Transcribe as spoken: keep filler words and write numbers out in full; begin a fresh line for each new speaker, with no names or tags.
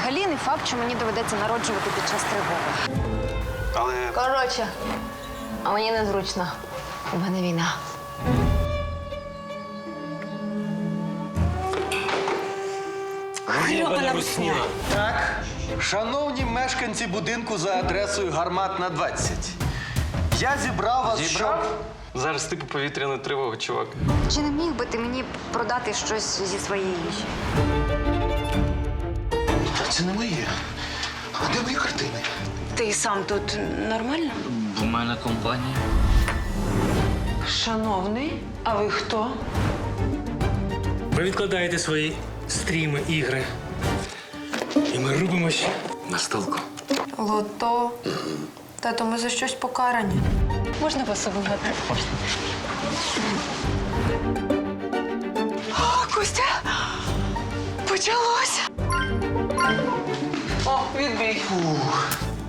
взагалі не факт, що мені доведеться народжувати під час тривоги.
Але
Коротше, а мені незручно. У мене війна.
Гребана русня.
так, шановні мешканці будинку за адресою Гарматна, двадцять. Я зібрав вас,
Зібрав?
щоб...
Зараз типу повітряна тривога, чувак.
Чи не міг би ти мені продати щось зі своєї їжі?
Це не моє. А де мої картини?
Ти сам тут нормально?
У мене компанія.
Шановний, а ви хто?
Ви відкладаєте свої стріми, ігри. І ми рубимось на столку.
Лото. Тато, ми за щось покарані.
Можна вас обігати? О, Костя! Почалося! О, відбій.